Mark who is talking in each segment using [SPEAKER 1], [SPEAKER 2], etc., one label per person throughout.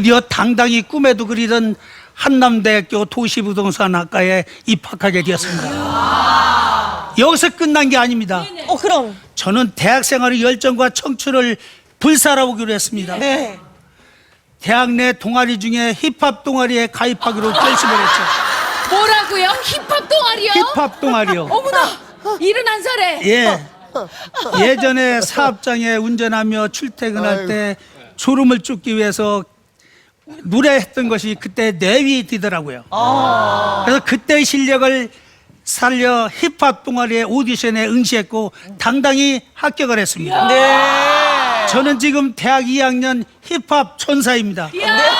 [SPEAKER 1] 드디어 당당히 꿈에도 그리던 한남대학교 도시부동산학과에 입학하게 되었습니다. 여기서 끝난 게 아닙니다.
[SPEAKER 2] 그럼.
[SPEAKER 1] 저는 대학 생활의 열정과 청춘을 불살아오기로 했습니다.
[SPEAKER 2] 네.
[SPEAKER 1] 대학 내 동아리 중에 힙합 동아리에 가입하기로 결심을 했죠.
[SPEAKER 3] 뭐라고요? 힙합 동아리요?
[SPEAKER 1] 힙합 동아리요.
[SPEAKER 3] 어머나! 71살에
[SPEAKER 1] 예. 예전에 사업장에 운전하며 출퇴근할 때 졸음을 쫓기 위해서 노래했던 것이 그때 내위 되더라고요. 그래서 그때의 실력을 살려 힙합 동아리의 오디션에 응시했고 당당히 합격을 했습니다.
[SPEAKER 2] 네.
[SPEAKER 1] 저는 지금 대학 2학년 힙합 천사입니다.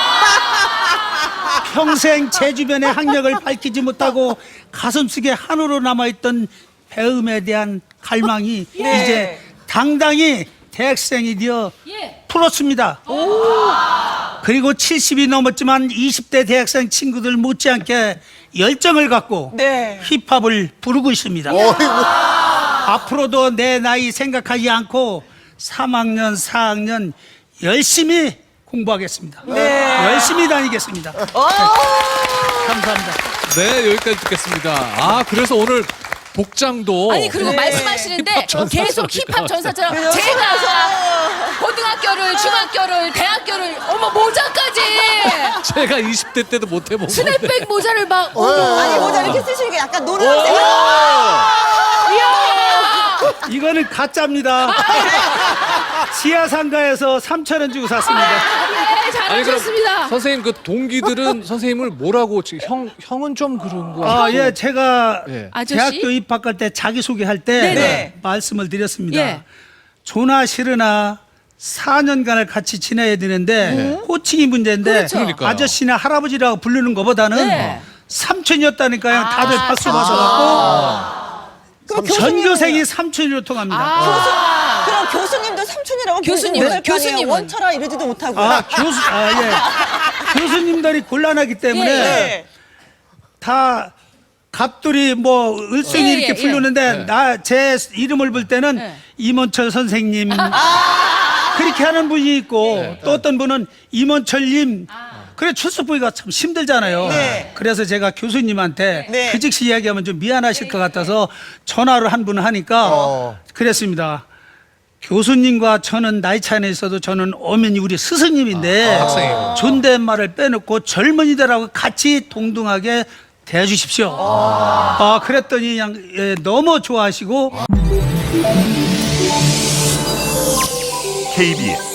[SPEAKER 1] 평생 제 주변의 학력을 밝히지 못하고 가슴속에 한우로 남아있던 배움에 대한 갈망이 이제 당당히 대학생이 되어 풀었습니다. 그리고 70이 넘었지만 20대 대학생 친구들 못지않게 열정을 갖고
[SPEAKER 2] 네.
[SPEAKER 1] 힙합을 부르고 있습니다. 앞으로도 내 나이 생각하지 않고 3학년, 4학년 열심히 공부하겠습니다. 열심히 다니겠습니다. 감사합니다.
[SPEAKER 4] 네, 여기까지 듣겠습니다. 아, 그래서 오늘 복장도
[SPEAKER 3] 아니 그리고 말씀하시는데
[SPEAKER 4] 힙합 전사처럼
[SPEAKER 3] 계속 힙합 전사처럼
[SPEAKER 2] 그래요?
[SPEAKER 3] 제가 고등학교를 중학교를 대학교를 어머 모자까지
[SPEAKER 4] 제가 20대 때도 못 해본 건데.
[SPEAKER 3] 스냅백 모자를 막
[SPEAKER 2] 아니 모자 이렇게 쓰시니까 약간 노래하세요.
[SPEAKER 3] 이야
[SPEAKER 1] 이거는 가짜입니다. 지하상가에서 3,000원 주고 샀습니다.
[SPEAKER 3] 예,
[SPEAKER 4] 아니 그럼
[SPEAKER 3] 잘하셨습니다.
[SPEAKER 4] 선생님 그 동기들은 선생님을 뭐라고 지금 형은 좀 그런 거.
[SPEAKER 1] 아, 예, 제가
[SPEAKER 4] 예.
[SPEAKER 3] 아저씨?
[SPEAKER 1] 대학교 입학할 때 자기소개할 때
[SPEAKER 3] 네네.
[SPEAKER 1] 말씀을 드렸습니다.
[SPEAKER 3] 예.
[SPEAKER 1] 조나 싫으나 4년간을 같이 지내야 되는데 호칭이 문제인데
[SPEAKER 3] 그렇죠.
[SPEAKER 4] 그러니까요.
[SPEAKER 1] 아저씨나 할아버지라고 부르는 것보다는
[SPEAKER 3] 네.
[SPEAKER 1] 삼촌이었다니까요. 다들 박수
[SPEAKER 3] 삼촌.
[SPEAKER 1] 받아갖고
[SPEAKER 2] 그럼
[SPEAKER 1] 전교생이 삼촌으로 통합니다.
[SPEAKER 2] 그럼 교수님도 삼촌이라고
[SPEAKER 3] 교수님,
[SPEAKER 2] 부르시면
[SPEAKER 3] 교수님은?
[SPEAKER 2] 원처라 이러지도 못하고.
[SPEAKER 1] 교수님들이 곤란하기 때문에
[SPEAKER 2] 네.
[SPEAKER 1] 다 갑돌이 뭐 을순이
[SPEAKER 3] 예,
[SPEAKER 1] 이렇게
[SPEAKER 3] 예,
[SPEAKER 1] 부르는데 나 제 이름을 부를 때는
[SPEAKER 3] 네.
[SPEAKER 1] 임원철 선생님 그렇게 하는 분이 있고 또 어떤 분은 임원철님 그래 출석 부위가 참 힘들잖아요.
[SPEAKER 2] 네.
[SPEAKER 1] 그래서 제가 교수님한테
[SPEAKER 2] 네.
[SPEAKER 1] 그 즉시 이야기하면 좀 미안하실 것 같아서 전화로 한 분 하니까 그랬습니다. 교수님과 저는 나이 차이는 있어도 저는 엄연히 우리 스승님인데
[SPEAKER 4] 학생이고.
[SPEAKER 1] 존댓말을 빼놓고 젊은이들하고 같이 동등하게 대해주십시오. 그랬더니 그냥 너무 좋아하시고
[SPEAKER 5] KBS